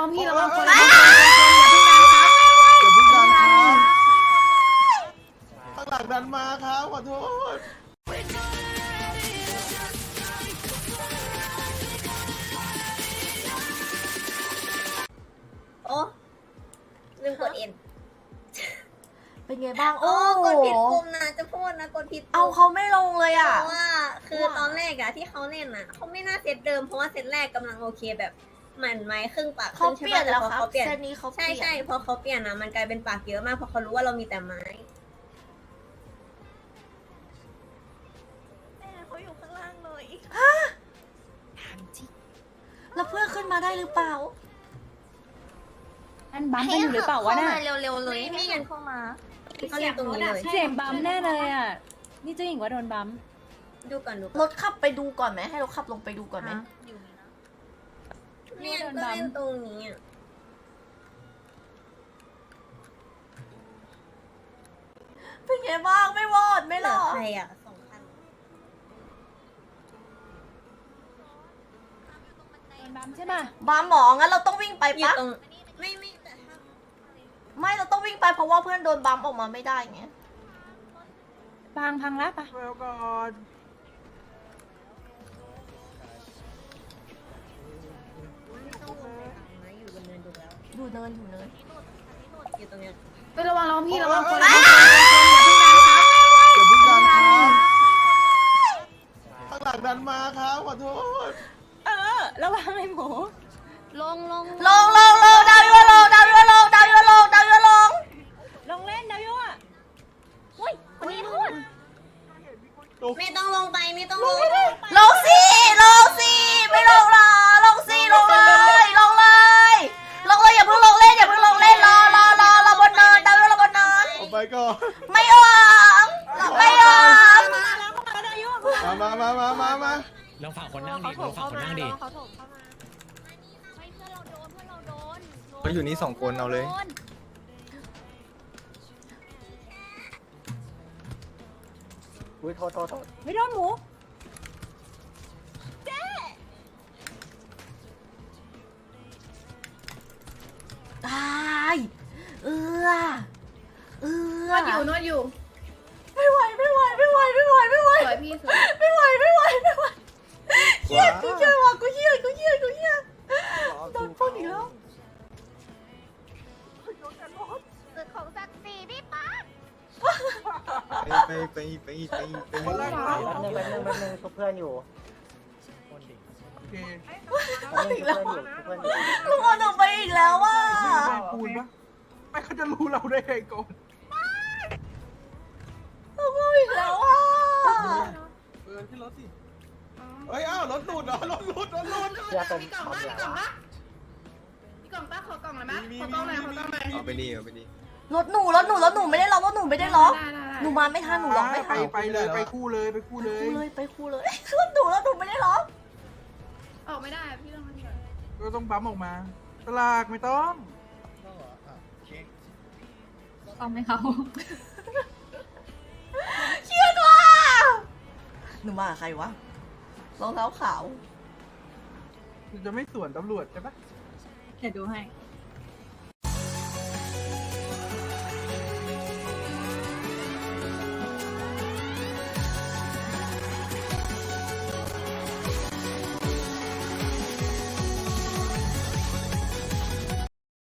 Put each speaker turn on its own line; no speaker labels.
องพี่ระวังคน
อ
อย่า
ย่าเพิ่งดันครับ
ข้างหลังดันมาครับขอโทษ
โอ้ลืมกดเอ็น
เป็นไงบ้าง
โอ้
โอ้
กดผิดปุ่มนะจะพูดนะกดผิดปุ่ม
เอาเขาไม่ลงเลยอ่ะ
เพราะว่าคือตอนแรกอะที่เขาเล่นอะเขาไม่น่าเซตเดิมเพราะว่าเซตแรกกำลังโอเคแบบเหมือนไม้ครึ่งปากค
เขา
รึ่ง
เปลี่ยนแล้ว
ต่พอ
ครับ
เขาเปลี่ยน
เซตนี้เขาเปลี่
ใช่
ยน
ใช่พอเขาเปลี่ยนนะมันกลายเป็นปากเยอะมากเพราะเขารู้ว่าเรามีแต่ไม้เขาอยู่ข้างล่างเลย
แล้วเพื่อนขึ้นมาได้หรือเปล่า
อันบัมกันอยู่หรือเปล่าวะน่ะ
เร็วๆเลยไม่งั้นเข้ามาเขาเล่นตรงนี้เลย
เสียงบัมแน่เลยอ่ะนี่เจ้าหญิงว่าโดนบัม
ดูก่อนดู
ร
ก่อน
ถขับไปดูก่อนไหมให้รถขับลงไปดูก่อนไหม
เนี่ยก็เล่นตรงนี้อะ
เป็นไงบ้างไม่วอดไม่
เห
หร
ลือ
อ
ใครอะ2 คัน
โดนบัมใช่ป่ะ
บ้าหมองั้นเราต้องวิ่งไป
อยู่
ปะ
ตรงไม่แต่ถ้า
ไม่เราต้องวิ่งไปเพราะว่าเพื่อนโดนบัมออกมาไม่ได้ไง
พังแล้วปะ
แล้วก่อน
ไม่ต้องลงไปทางนะอยู่บนเนินดูแล้ว
อยู่เนินอยู่เนิน
อยู่ตรงเนี้ย
ไประวังพี่ระวังคน
อย่าเพิ่งดันครับข้างหลังดันมาครับขอโทษ
ระวังไอ้หมู
ลงดาวยัวลงดาวยัวลงดาวยัวลงดาวยัวลง
ลงเล่นดาวยั่วอุ้ยคนนี้พูด
ไม่ต้องลงไปไม่ต้องลง
ลงสิลงสิไม่ลงหรอลงสิลงเลยลงเลยลงเลยอย่าเพิ่งลงเล่นอย่าเพิ่งลงเล่นรอบนเนินดาวยัวรอบนเนิน
ออกไปก่อน
ไม่ออกไม่ออก
มา
ลองฝั่งคนนั่งดิลองฝั่งคนนั่งดิ
เขาอยู่นี่2 คนเอาเลยอุ้ยโทษ
ไม่โดนหมู
ตายเอือน
วดอยู่
ไม่ไหวสวยพี่สวยไม่ไหวเครียดกูเครียดว่ะกูเครียดโดนปล้นอีกแล้ว
ตึกของศักดิ์ศรีพี่ป๊า
ไป
คนแรกครับ
แป๊บนึงชุบเพื่อนอยู่
โอเค
อีกแล้วลุงเอาหนูไปอีกแล้วว่ะ
ไม่คูณปะไม่เขาจะรู้เราได้ไงก่อน
ลุงเอาอีกแล้วว่ะ
ขึ้นรถสิเฮ้ยอ้าวรถหลุดเหรอรถหลุด
เพื่อนเป็นทำอะไรวะ
มีกล่องป้าขอกล่องหน่อยมั้ย
มี
ขอกล่องหน่อยขอกล่องหน่อย
เอาไปนี่
รถหนูไม่ได้ล็อกหนูมาไม่ทันหนูล็อกไม่ทัน
ไปเลยไปคู่เลย
ไปคู่เลยรถหนูไม่ได้ล็อก
ออกไม่ได้พี่ต้องมาเถอะ
ก็ต้องปั๊มออกมาตลากไม่ต้อง
ต้องไม่เขา
เครียดว่ะหนูมากับใครวะรองเท้าขาว
จะไม่สวนตำรวจใช่ปะ
เดี๋ยวดูให้